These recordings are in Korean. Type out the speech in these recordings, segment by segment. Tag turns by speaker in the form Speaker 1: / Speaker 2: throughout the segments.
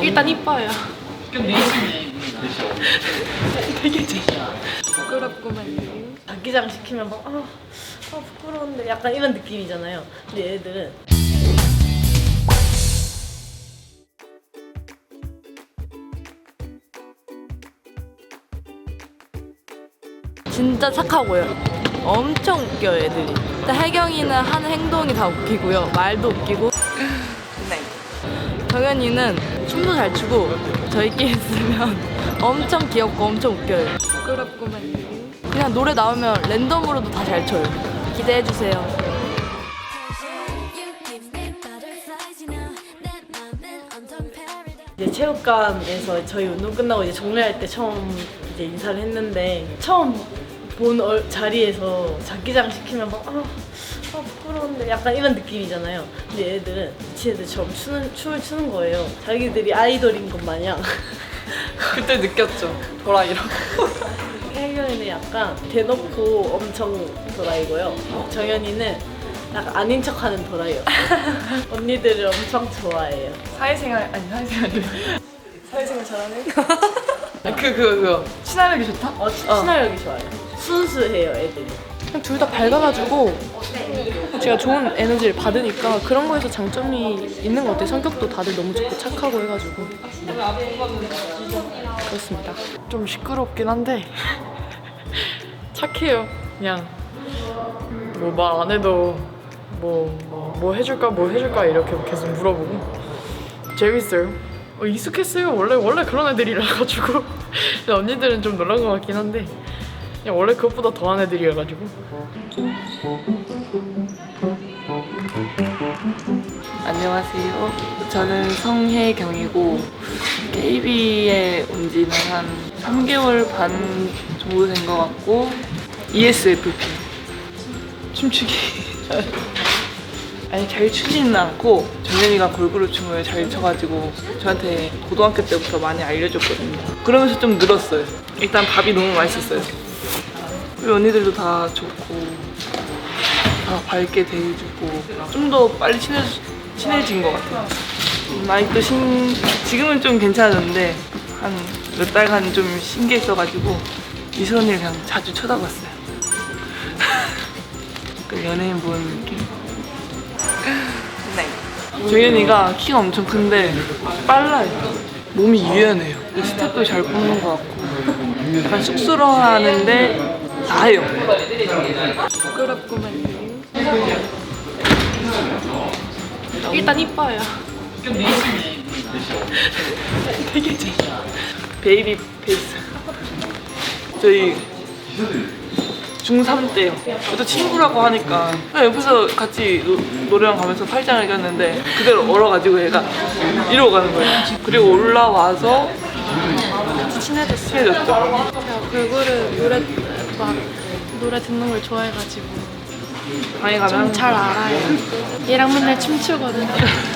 Speaker 1: 일단 이뻐요.
Speaker 2: 그럼 내시네.
Speaker 1: 되게 부끄럽구만요. 장기장 시키면 막 부끄러운데 약간 이런 느낌이잖아요. 근데 얘들은 진짜 착하고요. 엄청 웃겨요, 애들이. 일단 혜경이는 하는 행동이 다 웃기고요. 말도 웃기고. 네. 정연이는 춤도 잘 추고 저희끼리 있으면 엄청 귀엽고 엄청 웃겨요. 부끄럽구만요. 그냥 노래 나오면 랜덤으로도 다 잘 춰요. 기대해주세요. 이제 체육관에서 저희 운동 끝나고 이제 종례할 때 처음 이제 인사를 했는데 처음 본 자리에서 장기장 시키면 막 부끄러운데 약간 이런 느낌이잖아요. 근데 얘들은 미친 애들처럼 춤을 추는 거예요. 자기들이 아이돌인 것 마냥.
Speaker 2: 그때 느꼈죠. 도라이라고.
Speaker 1: 혜경이는 약간 대놓고 엄청 도라이고요. 정연이는 약간 아닌 척하는 도라이요. 언니들을 엄청 좋아해요.
Speaker 2: 사회생활 잘하네. 그거 친화력이 좋다?
Speaker 1: 친화력이 좋아요. 순수해요, 애들이.
Speaker 3: 그냥 둘 다 밝아가지고 제가 좋은 에너지를 받으니까 그런 거에서 장점이 있는 것 같아요. 성격도 다들 너무 좋고 착하고 해가지고 그렇습니다.
Speaker 2: 좀 시끄럽긴 한데 착해요. 그냥 뭐 말 안 해도 뭐 해줄까 이렇게 계속 물어보고 재밌어요. 익숙했어요. 원래 그런 애들이라 가지고 언니들은 좀 놀란 것 같긴 한데 그냥 원래 그것보다 더한 애들이라 가지고.
Speaker 4: 안녕하세요. 저는 성혜경이고 KB에 온 지는 한 3개월 반 정도 된 것 같고 ESFP 춤추기 아니 잘 추지는 않고 정연이가 걸그룹 춤을 잘 춰가지고 저한테 고등학교 때부터 많이 알려줬거든요. 그러면서 좀 늘었어요. 일단 밥이 너무 맛있었어요. 그리고 언니들도 다 좋고 다 밝게 대해주고 좀 더 빨리 친해진 것 같아요. 아직도 지금은 좀 괜찮았는데 한 몇 달간 좀 신기했어가지고 이선을 그냥 자주 쳐다봤어요. 그 연예인 보는 느낌. 네. 정연이가 키가 엄청 큰데 빨라요. 몸이 유연해요. 스텝도 잘 뽑는 것 같고 약간 쑥스러워하는데 다 해요.
Speaker 1: 부끄럽구만요. 일단 이뻐요.
Speaker 2: 그럼 내시네.
Speaker 1: 되게
Speaker 4: 베이비 페이스. 저희 중3 때요. 또 친구라고 하니까 그냥 옆에서 같이 노래방 가면서 팔짱을 꼈는데 그대로 얼어가지고 얘가 이러고 가는 거예요. 그리고 올라와서
Speaker 3: 같이 친해졌어요.
Speaker 4: 친해졌죠.
Speaker 3: 제가 걸그룹 노래 듣는 걸 좋아해가지고
Speaker 4: 방에 가면
Speaker 3: 좀 잘 알아요. 얘랑 맨날 춤추거든요.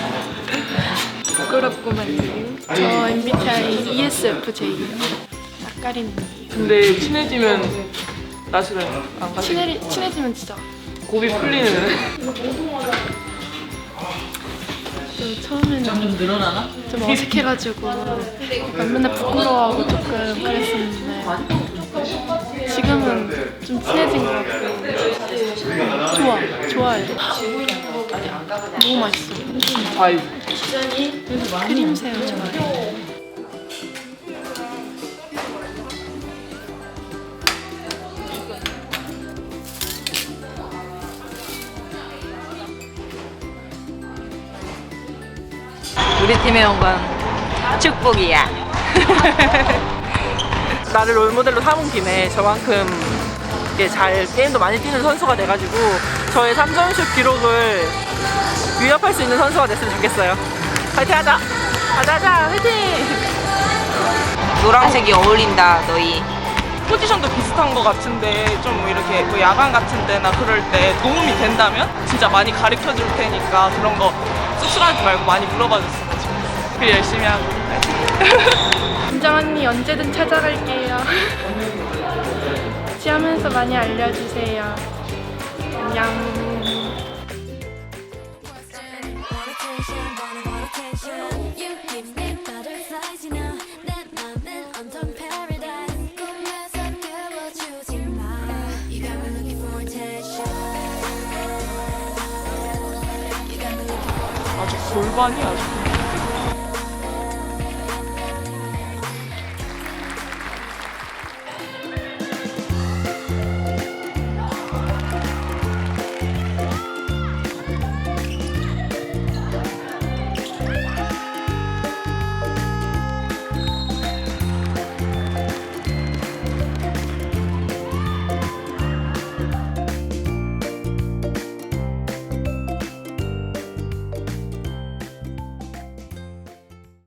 Speaker 3: 부끄럽구만요. 저 MBTI ESFJ예요. 낯가리는.
Speaker 4: 근데 친해지면 나시를 안 가지.
Speaker 3: 친해지면 진짜
Speaker 4: 고비 풀리는.
Speaker 3: 처음에는
Speaker 2: 점점 늘어나나?
Speaker 3: 좀 어색해가지고 맨날 부끄러워하고 조금 그랬었는데 지금은 좀 친해진 것 같고 좋아요. 너무 맛있어요.
Speaker 4: 과일.
Speaker 3: 크림 새우 좋아해요.
Speaker 5: 우리 팀에 온 건 축복이야.
Speaker 4: 나를 롤모델로 삼은 김에 저만큼 잘 게임도 많이 뛰는 선수가 돼가지고 저의 3점슛 기록을 위협할 수 있는 선수가 됐으면 좋겠어요. 파이팅 하자! 하자! 파이팅!
Speaker 5: 노란색이 어울린다 너희.
Speaker 4: 포지션도 비슷한 것 같은데 좀 이렇게 뭐 야간 같은 데나 그럴 때 도움이 된다면 진짜 많이 가르쳐 줄 테니까 그런 거 쑥스러워하지 말고 많이 물어봐 줬으면 좋겠어. 그래 열심히 하고
Speaker 3: 진정 언니 언제든 찾아갈게요. 같이 하면서 많이 알려주세요. 안녕.
Speaker 6: Want attention, want attention. You give me butterflies.
Speaker 2: 아주 골반이 아주